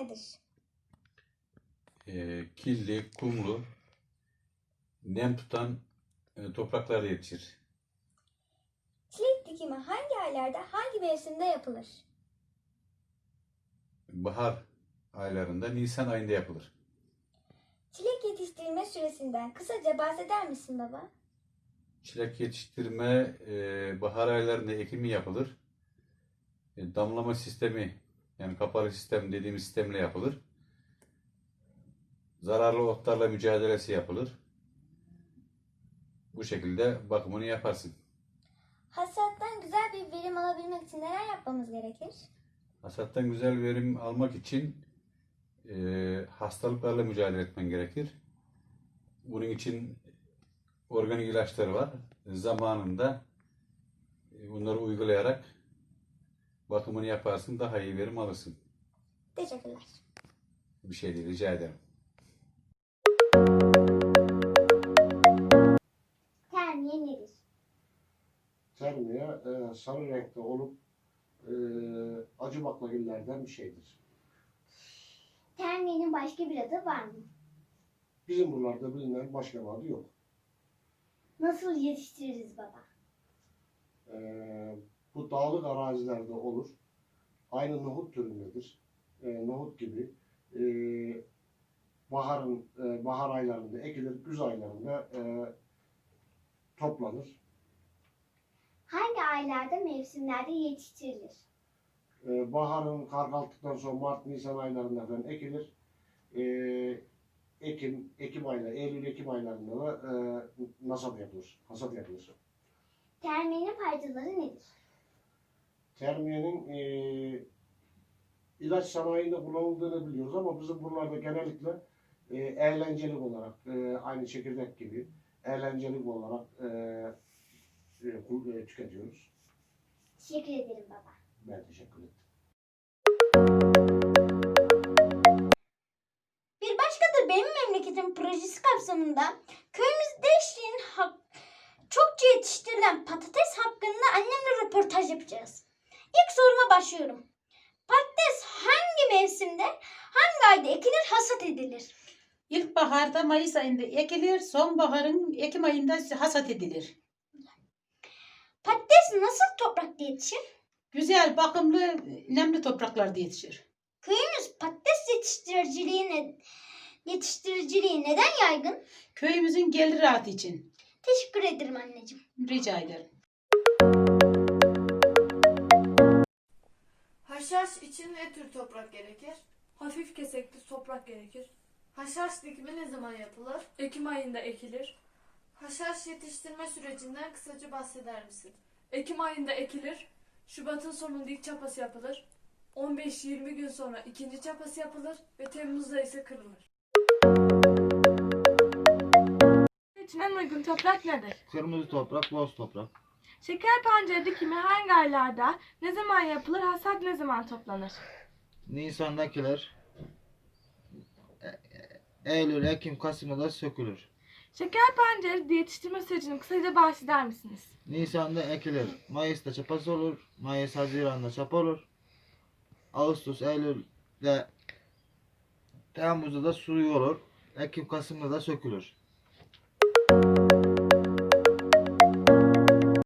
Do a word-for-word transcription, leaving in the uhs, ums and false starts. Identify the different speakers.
Speaker 1: nedir?
Speaker 2: E, kirli, kumlu, nem tutan e, topraklarda yetişir.
Speaker 1: Çilek dikimi hangi aylarda, hangi mevsimde yapılır?
Speaker 2: Bahar aylarında, Nisan ayında yapılır.
Speaker 1: Çilek yetiştirilme süresinden kısaca bahseder misin baba?
Speaker 2: Çilek yetiştirme e, bahar aylarında ekimi yapılır. E, damlama sistemi, yani kapalı sistem dediğimiz sistemle yapılır. Zararlı otlarla mücadelesi yapılır. Bu şekilde bakımını yaparsın.
Speaker 1: Hasattan güzel bir verim alabilmek için neler yapmamız gerekir?
Speaker 2: Hasattan güzel verim almak için e, hastalıklarla mücadele etmen gerekir. Bunun için organik ilaçlar var. Zamanında e, bunları uygulayarak bakımını yaparsın, daha iyi verim alırsın.
Speaker 1: Teşekkürler.
Speaker 2: Bir şey değil, rica ederim.
Speaker 1: Termiye nedir?
Speaker 3: Termiye e, sarı renkte olup e, acı baklagillerden bir şeydir.
Speaker 1: Termiyenin başka bir adı var mı?
Speaker 3: Bizim buralarda bilinen başka bir adı yok.
Speaker 1: Nasıl yetiştiririz baba?
Speaker 3: E, bu dağlık arazilerde olur. Aynı nohut türündedir. E, nohut gibi. E, baharın e, bahar aylarında ekilir, güz aylarında e, toplanır.
Speaker 1: Hangi aylarda, mevsimlerde yetiştirilir?
Speaker 3: E, baharın kar kalktıktan sonra Mart, Nisan aylarında falan ekilir. E, Ekim, Ekim ayları, Eylül-Ekim aylarında da e, nasat yapılır, hasat yapılır.
Speaker 1: Termiyenin faydaları nedir?
Speaker 3: Termiyenin e, ilaç sanayinde kullanıldığını biliyoruz ama bizim buralarda genellikle e, eğlencelik olarak, e, aynı çekirdek gibi eğlencelik olarak e, e, e, tüketiyoruz.
Speaker 1: Teşekkür ederim baba.
Speaker 3: Ben teşekkür ederim.
Speaker 1: Bir başkadır benim memleketim projesi kapsamında köyümüzde eşliğin hak, çokça yetiştirilen patates hakkında annemle röportaj yapacağız. İlk soruma başlıyorum. Patates hangi mevsimde, hangi ayda ekilir, hasat edilir?
Speaker 4: İlkbaharda Mayıs ayında ekilir, sonbaharın Ekim ayında hasat edilir.
Speaker 1: Patates nasıl toprakta yetişir?
Speaker 4: Güzel, bakımlı, nemli topraklarda yetişir.
Speaker 1: Köyümüz patates yetiştiriciliği, yetiştiriciliği neden yaygın?
Speaker 4: Köyümüzün gelir rahatı için.
Speaker 1: Teşekkür ederim anneciğim.
Speaker 4: Rica ederim.
Speaker 5: Haşhaş için ne tür toprak gerekir?
Speaker 6: Hafif kesekli toprak gerekir.
Speaker 5: Haşhaş dikimi ne zaman yapılır?
Speaker 6: Ekim ayında ekilir.
Speaker 5: Haşhaş yetiştirme sürecinden kısaca bahseder misin?
Speaker 6: Ekim ayında ekilir. Şubat'ın sonunda ilk çapası yapılır. on beş yirmi gün sonra ikinci çapası yapılır ve Temmuz'da ise kırılır.
Speaker 7: için en uygun toprak nedir?
Speaker 8: Kırmızı toprak, boz toprak.
Speaker 7: Şeker pancarı dikimi hangi aylarda, ne zaman yapılır, hasat ne zaman toplanır?
Speaker 8: Nisan'dakiler e- Eylül, Ekim, Kasım'da da sökülür.
Speaker 7: Şeker pancarı yetiştirme sürecini kısaca bahseder misiniz?
Speaker 8: Nisan'da ekilir. Mayıs'ta çapası olur. Mayıs, Haziran'da çapa olur. Ağustos, Eylül'de Temmuz'da da suyu olur. Ekim, Kasım'da da sökülür.